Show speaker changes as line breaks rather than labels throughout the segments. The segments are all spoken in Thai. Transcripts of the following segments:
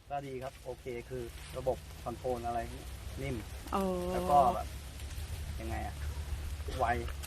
ก็ดีครับโอเคคือระบบคอนโทรลอะไรนิ่ม
โอ้
แล้วก็แบบยังไงอะไว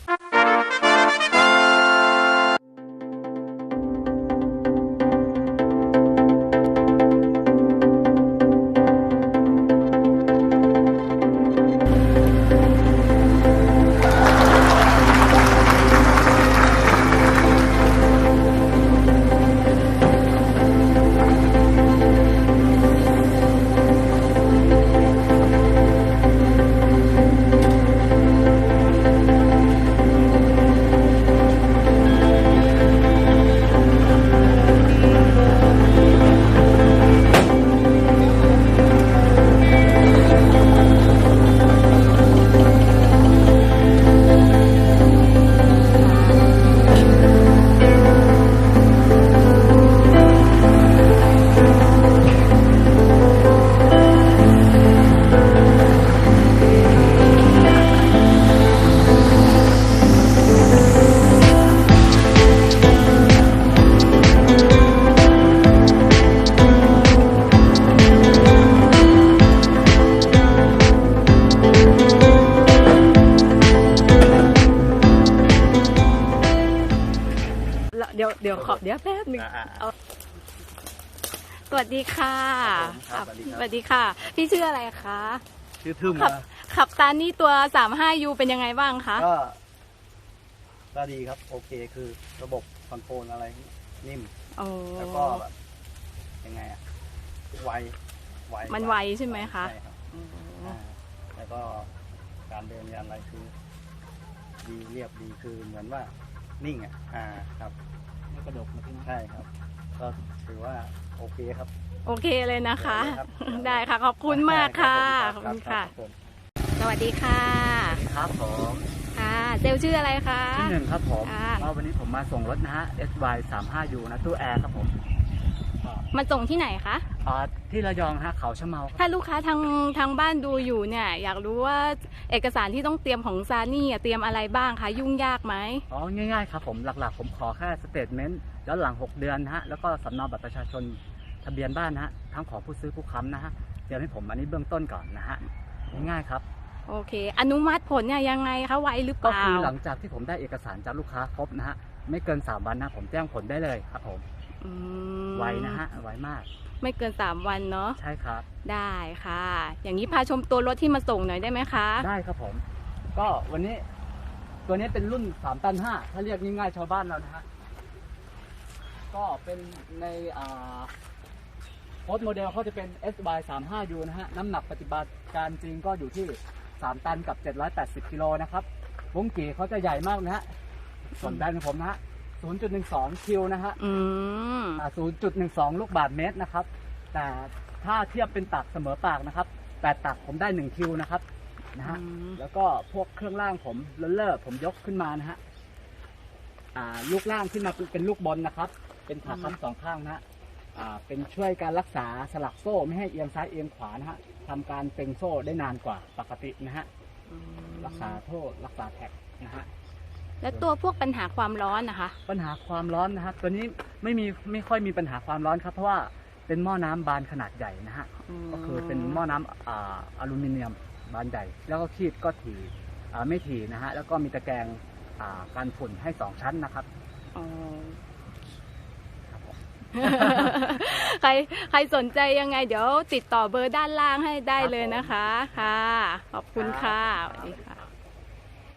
เดี๋ยวขอเดี๋ยวแป๊บหนึงเอาสวัสดีค่ะ
ครับผม
สวัสดีค่ะ พี่ชื่ออะไรคะ
ชื่อทึม
ขับตานี่ตัว 35U เป็นยังไงบ้างคะ
ก็ดีครับโอเคคือระบบคอนโทรลอะไรนิ่ม
โอ้
แล้วก็แบบยังไงอะไว
มันไวใช่ไหมคะ
ใช่ครับแล้วก็การเดินยานอะไรคือดีเรียบดีคือเหมือนว่านิ่งครับไม่กระดกนะพี่ใช่ครับก็ถือว่าโอเคครับ
โอเคเลยนะคะ
ครับ
ได้ค่ะขอบคุณมากค่ะขอบคุณค่ะ สวัสดีค่ะ
ครับผม
ค่ะเซลลชื่ออะไรคะ
ที่หนึ่งครับผม
ค่ะ
ก็วันนี้ผมมาส่งรถนะฮะ SY 35U นะตู้แอร์ครับผม
มาส่งที่ไหนคะ
ที่ระยองฮะเขาชะเมาครับ
ถ้าลูกค้าทางบ้านดูอยู่เนี่ยอยากรู้ว่าเอกสารที่ต้องเตรียมของซานี่เตรียมอะไรบ้างคะยุ่งยากไหม
อ๋อง่ายๆครับผมหลักๆผมขอแค่สเตทเมนต์ย้อนหลัง 6 เดือนนะฮะแล้วก็สำเนาบัตรประชาชนทะเบียนบ้านนะฮะทั้งของผู้ซื้อผู้ค้ำนะฮะเตรียมให้ผมอันนี้เบื้องต้นก่อนนะฮะง่ายๆครับ
โอเค อนุมัติผลเนี่ยยังไงคะไวหรือเป
ก็
ล่า
คือหลังจากที่ผมได้เอกสารจากลูกค้าครบนะฮะไม่เกิน3 วันนะผมแจ้งผลได้เลยครับผม
อืม
ไวนะฮะไวมาก
ไม่เกิน3 วันเนาะ
ใช่ครับ
ได้ค่ะ อย่างนี้พาชมตัวรถที่มาส่งหน่อยได้ไหมคะ
ได้ครับผม ก็วันนี้ตัวนี้เป็นรุ่น3 ตัน 5ถ้าเรียกง่ายๆชาวบ้านเรานะฮะก็เป็นในโค้ดโมเดลเขาจะเป็น SY 35U นะฮะน้ำหนักปฏิบัติการจริงก็อยู่ที่3 ตันกับ780กิโลนะครับวงกี่เขาจะใหญ่มากนะฮะส่วนแบรนด์ของผมนะฮะ0.12 คิวนะฮะ
อืม
0.12 ลูกบาศก์เมตรนะครับแต่ถ้าเทียบเป็นตักเสมอปากนะครับ8 ตักผมได้1คิวนะครับนะฮะ แล้วก็พวกเครื่องล่างผมเลอะผมยกขึ้นมานะฮะลูกล่างขึ้นมาเป็นลูกบอลนะครับ เป็นขาค้ำ2 ข้างนะฮะเป็นช่วยการรักษาสลักโซ่ไม่ให้เอียงซ้ายเอียงขวานะฮะทำการเต็งโซ่ได้นานกว่าปกตินะฮะรักษาโทษรักษาแท็กนะฮะ
แล้วตัวพวกปัญหาความร้อนนะคะ
ปัญหาความร้อนนะฮะตัวนี้ไม่ค่อยมีปัญหาความร้อนครับเพราะว่าเป็นหม้อน้ำบานขนาดใหญ่นะฮะก็คือเป็นหม้อน้ำอลูมิเนียมบานใหญ่แล้วก็คีบก็ถี่ไม่ถี่นะฮะแล้วก็มีตะแกรงกันฝุ่นให้2 ชั้นนะครับครับผม
ใครสนใจยังไงเดี๋ยวติดต่อเบอร์ด้านล่างให้ได้เลยนะคะ ค่ะ ขอบคุณค่ะสวัสดีค่ะ